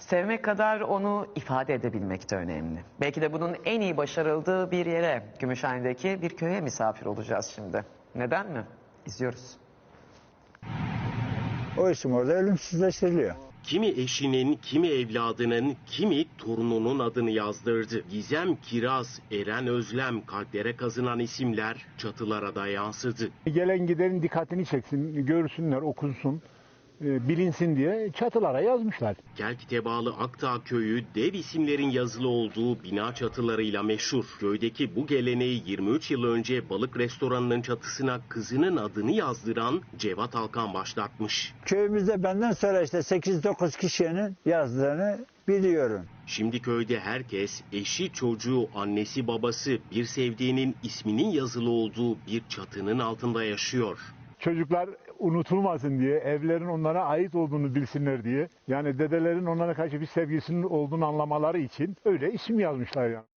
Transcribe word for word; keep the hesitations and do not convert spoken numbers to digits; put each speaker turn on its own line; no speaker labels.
Sevmek kadar onu ifade edebilmek de önemli. Belki de bunun en iyi başarıldığı bir yere, Gümüşhane'deki bir köye misafir olacağız şimdi. Neden mi? İzliyoruz.
O isim orada ölümsüzleştiriliyor.
Kimi eşinin, kimi evladının, kimi torununun adını yazdırdı. Gizem Kiraz, Eren Özlem, kalplere kazınan isimler çatılara da yansıdı.
Gelen gidenin dikkatini çeksin, görsünler, okunsun, bilinsin diye çatılara yazmışlar.
Kelkit'e bağlı Akdağ Köyü dev isimlerin yazılı olduğu bina çatılarıyla meşhur. Köydeki bu geleneği yirmi üç yıl önce balık restoranının çatısına kızının adını yazdıran Cevat Alkan başlatmış.
Köyümüzde benden sonra işte sekiz dokuz kişinin yazdığını biliyorum.
Şimdi köyde herkes eşi, çocuğu, annesi, babası, bir sevdiğinin isminin yazılı olduğu bir çatının altında yaşıyor.
Çocuklar unutulmasın diye, evlerin onlara ait olduğunu bilsinler diye, yani dedelerin onlara karşı bir sevgisinin olduğunu anlamaları için öyle isim yazmışlar yani.